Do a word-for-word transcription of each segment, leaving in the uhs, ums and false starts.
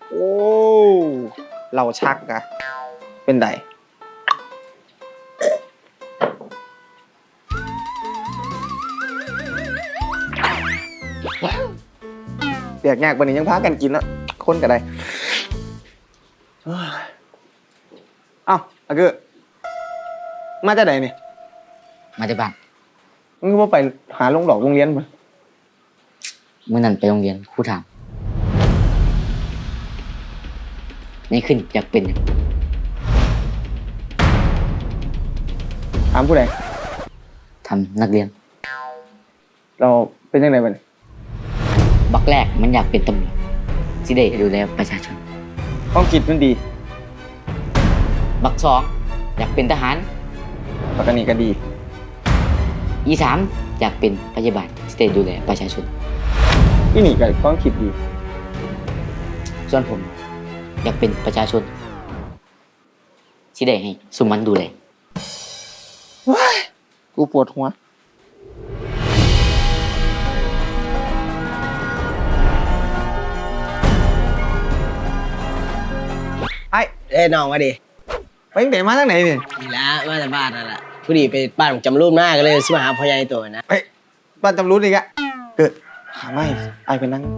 โอ้เราชักอะเป็นไดเปียกยากวันนี้ยังพากันกินแล้วคนก็ได้เอ้าอะคือมาจากไหนเนี่ยมาจากบ้านมึงก็ว่าไปหาลงดอกโรงเรียนมาเมื่อนั้นไปโรงเรียนครูถามนี่ขึ้นอยากเป็นหยังถามผู้ใดทำนักเรียนเราเป็นยังไงบ้างบักแรกมันอยากเป็นตำรวจสิได้ดูแลประชาชนความคิดมันดีบักสองอยากเป็นทหารปกติก็ดีอีสามอยากเป็นพยาบาลสิได้ดูแลประชาชนที่นี่ก็ความคิดดีส่วนผมอยากเป็นประชาชนสิได้ให้สุมันดูแลว้ายกูปวดหัวไอ้เอ้ยน้องมาดิไปตั้งแต่มาตั้งไหนเนี่ยนี่ละมาจากบ้านนั่นแหละผู้ดีไปบ้านจำรูปหน้าก็เลยสิมาหาพ่อใหญ่ตัวนะไปบ้านจำรู้อีกอะเกิดหาไม่ไอ้ไปนั่ง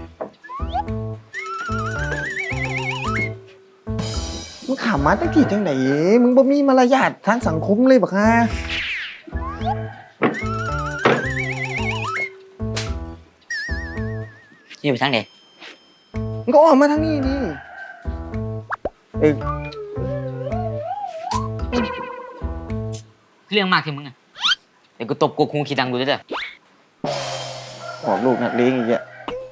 มึงขำมาตั้งกี่จังไหนมึงบ่มีมารยาททางสังคมเลยบักฮะนี่ไปทางไหนมึงก็ออกมาทางนี้ดิเออเรื่องมากที่มึงอ่ะเดี๋ยวกูตบกูคงขี้ดังดูด้วยเด้อออกลูกนักเลงอีกอ่ะ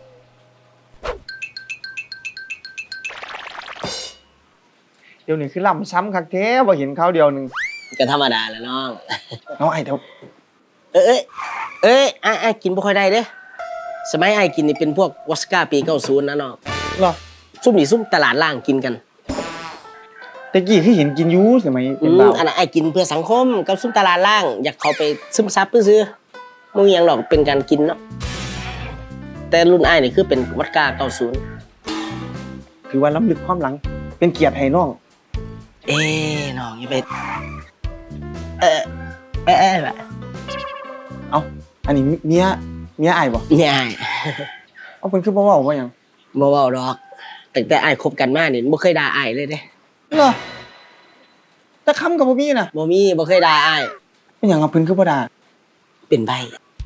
เดี๋ยวนี้คือล่ำซ้ำคักแท้พอเห็นเขาเดียวหนึ่งก็ธรรมดาแหละน้องเอาไอ้เดี๋ยวเอ้ยเอ้ยไอ้ไอ้กินบ่ค่อยได้เด้สมัยไอ้กินนี่เป็นพวกวอสก้าปีเก้าสิบนะน้องหรอซุ่มนี่ซุ่มตลาดล่างกินกันแต่กี้ที่เห็นกินยูสมัยเป็นบ่าวอันนั้นไอ้กินเพื่อสังคมกับซุ่มตลาดล่างอยากเข้าไปซึมซับซื้อๆมึงยังหรอกเป็นการกินเนาะแต่รุ่นไอ้นี่คือเป็นวอสก้าเก้าสิบคือว่าล้ำลึกความหลังเป็นเกียรติให้น้องเอ้น้องอย่าไปเออเออเออแบบเอ้าอันนี้เมียเมียไอ้บ่เมียไอ้เอาเป็นคือบ่เว้าบ่หยังบ่เว้าดอกตั้งแต่ไอ้คบกันมานี่บ่เคยด่าไอ้เลยเด้เหรอแต่คำกับบ่มีน่ะบ่มีบ่เคยด่าไอ้เป็นหยังเอาเพิ่นคือบ่ด่าเป็นใบ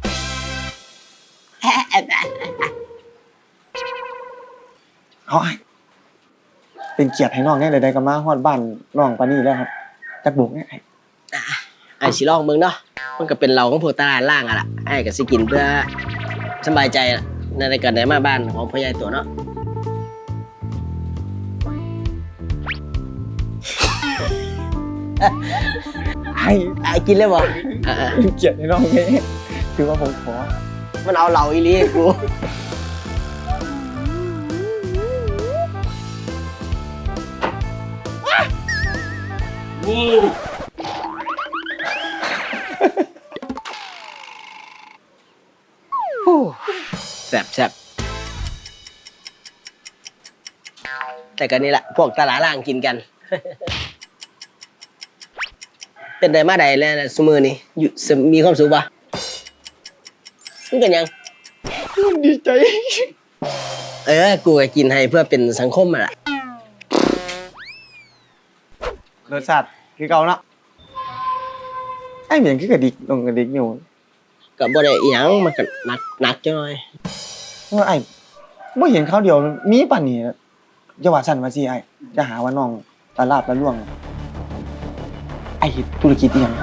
เอาไอ้เป็นเกียรติให้น้องแน่ใดๆก็มาฮอดบ้านน้องปานนี้แล้วครับจักบุกแน่ไอ้ไอ้สิลองเบิ่งเนาะมันก็เป็นเราของพวกตลาดล่างอ่ะล่ะไอ้ก็สิกินเพื่อสบายใจในการได้มาบ้านของพ่อใหญ่ตัวเนาะไอ้ไอ้กินเลยบ่เป็นเกียรติให้น้องแน่คือว่าผมขอมันเอาเหล้าอีหลีให้กูนี่แซ่บแซ่บแต่กันนี่แหละพวกตลาดล่างกินกันเป็นไดมาใดแล้วสมือนี่อยู่มีความสุขปะมึงกันยังดีใจเออกูก็กินให้เพื่อเป็นสังคมอ่ะรสชาติคือเก่าเนาะไอ้เหมือนคือกระดิกลงกระดิกอยู่กับบ่ได้อีหยังมันก็หนักหนักจังเลยว่าไอ้บ่เห็นเขาเดียวมีป่านนี้จะว่าสั่นว่าสิไอ้จะหาว่าน้องตลาดละล่วงไอ้เฮ็ดธุรกิจอีหยัง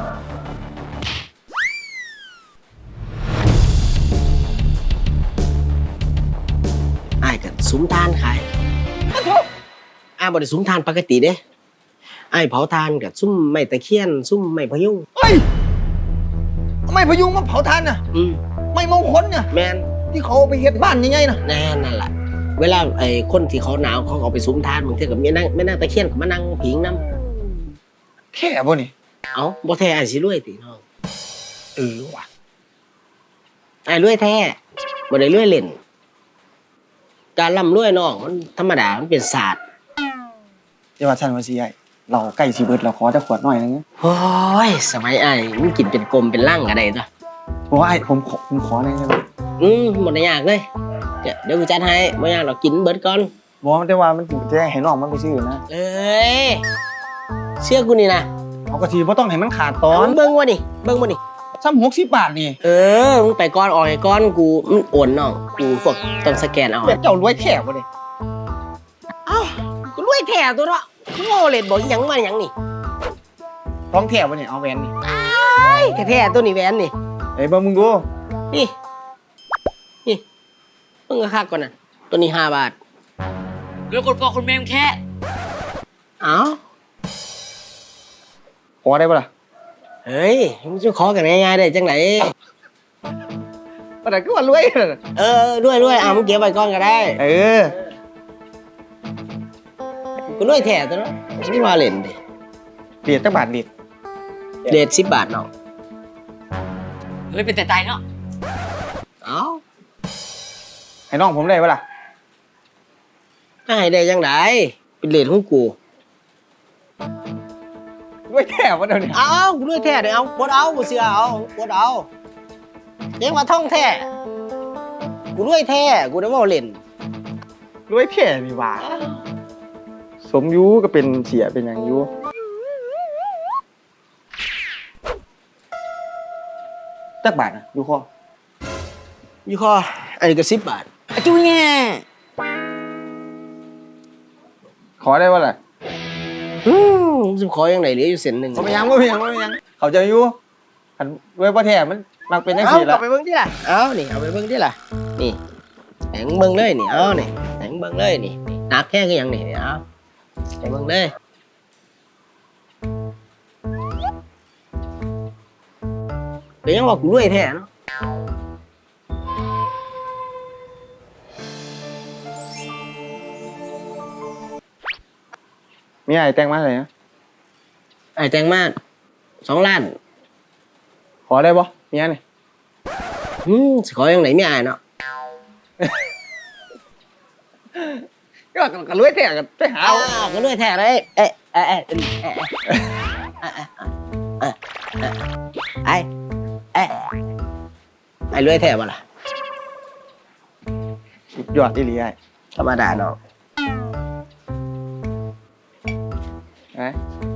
ไอ้ก็สุมทานขายอ้าบ่ได้สุมทานปกติเด้ไอ้เผาทานกับซุ่มไม้ตะเคียนซุ่มไม้พยุงเฮ้ยไม้พยุงมาเผาทานน่ะอืมไม้มงคลน่ะแม่นที่เขาไปเฮ็ดบ้านยังไงน่ะแน่นั่นแหละเวลาไอ้คนที่เขาหนาวเขาเอาไปสุมทานบางทีก็มีนั่งแม่นางตะเคียนก็มานั่งผิงนำแท้บ่นี่เอ้าบ่แท้ไอ้สิรวยติน้องเออว่ะไอ้รวยแท้บ่ได้รวยเล่นการร่ำรวยน้องมันธรรมดามันเป็นศาสตร์อย่าว่าซั่นว่าสิไอ้เราใกล้สิเบิดแล้วขอแต่ขวดหน่อยนึงโอ้ยสมัยไอ้มันกินเป็นกลมเป็นร่างอะไรตัวบ่ว่าไอ้ผมขอผมขอหน่อยได้บ่อืมหมดยากเลยเดี๋ยวเดี๋ยวกูจัดให้ไม่ยากเรากินเบิดก่อนบ่แต่ว่ามันจะให้น้องมันไปซื้อนะเอ้ยเชื่อกูนี่นะเอาก็สิบ่ต้องให้มันขาดตอเอานเบิ้งวะนี่เบิ้งวะนี่ซ้ำหกสิบบาทนี่เออมึงไปก้อนออกไอ้ก้อนกูมันโอนน้องกูพวกต้องสแกนเอาเดี๋ยวเจ้ารวยแท้บ่นี่เอ้ากูรวยแท้ตัวเนาะกูโง่เลยบอกอีหยังมาอีหยังนี่ท้องแท้บ่นี่เอาแหวนนี่ไอ้แท้ๆตัวนี้แหวนนี่เอ้ยเบิ่งมึงดูนี่นี่มึงก็คักก่อนน่ะตัวนี้ห้าบาทเรื่องคนพ่อคนแม่มแค่เอ้าขอได้บ่ล่ะเฮ้ยมึงจะขอกันง่ายๆได้จังไหนบ่ได้คือว่ารวยเออด้วยด้วยอ่ะมึงเก็บไว้ก่อนก็ได้เออกูรวยแท้ตัวเนาะไม่ว่าเล่นดิเรียดจักบาทเรียดเดทสิบบาทน้องเฮ้ยเป็นแต่ตายเนาะเอ้าให้น้องผมได้บ่ล่ะจะให้ได้จังไดเป็นเลทของกูรวยแท้บ่เดี๋ยวนี้เอากูรวยแท้เดี๋ยวเอาบดเอากูเสือเอาบดเอาเรียกว่าท่องแท้กูรวยแท้กูได้ว่าเล่นรวยแท้นี่หว่าสมอยู่ก็เป็นเสียเป็นหยังอยู่จักบาทน่ะอยู่คอยี่ข้ออันนี้ก็สิบบาทจุ้ยแง่ขอได้บ่ล่ะอืมจะขอยังไงเหลืออยู่เส้นหนึ่งบ่เป็นหยังบ่เป็นหยังบ่เป็นหยังเขาใจอยู่คันรวยบ่แท้มันมักเป็นจังเอาซี่ล่ะเอาไปเบิ่งที่ล่ะเอานี่เอาไปเบิ่งที่ล่ะนี่แหงเบิ่งเลยนี่เอานี่แหงเบิ่งเลยนี่หนักแค่ก็ยังนี่เอาไปเบิ่งเลยเดี๋ยวยังว่ากูรวยแท้เนาะมีไอ้แต่งมาเลยนะไอ้แตงมาสองล้านขอได้บ่มีอันนี่อืมสิขอยังไหนไม่อายเนาะก็ก็รวยแท้ก็ไปหาเอาเอาก็รวยแท้เลยเอ๊ะเอ๊ะเอ๊ะเอ๊ะเอ๊ะเอ๊ะเอ๊ะไอ้เอ๊ะไอ้รวยแท้บ่ล่ะสุดยอดอีหลีไอ้ธรรมดาเนาะไอ้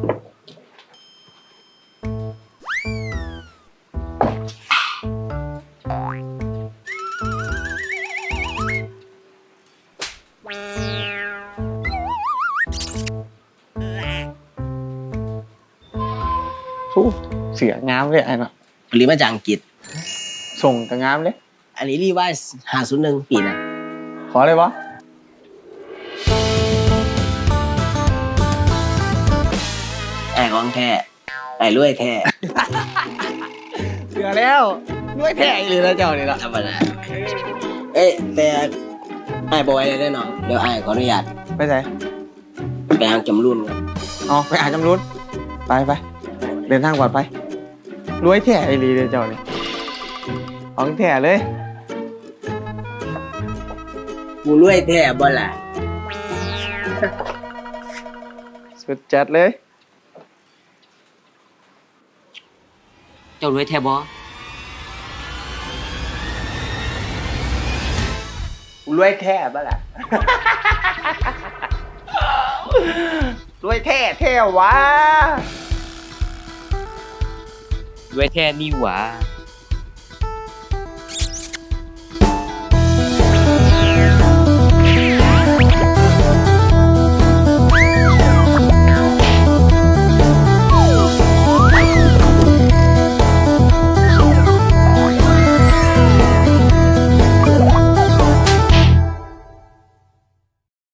สู้เสืองามเลยไอ้เนาะผลิตมาจากอังกฤษส่งก็งามเลยอันนี้รีไวซ์ห้าศูนย์หนึ่งปีนะขอเลยบ่ไอ้ของแท้ไอ้รวยแท้เสือแล้วรวยแท้อีหลีแล้วเจ้านี่ล่ะธรรมดาเอ๊ะแต่ไอ้บอยได้เนาะเดี๋ยวไอ้ขออนุญาตไปไหนไปหางจำรุ่นก่อนอ๋อไปอ่านจำรุนไปไปเดินทางปลอดภัยรวยแท้อีหลีเลยเจ้านี่ของแท้เลยกูรวยแท้บ่ล่ะสุดจัดเลยเจ้ารวยแท้บอรวยแท้บ้าล่ะ รวยแท้แท้วะรวยแท้นี่หว่า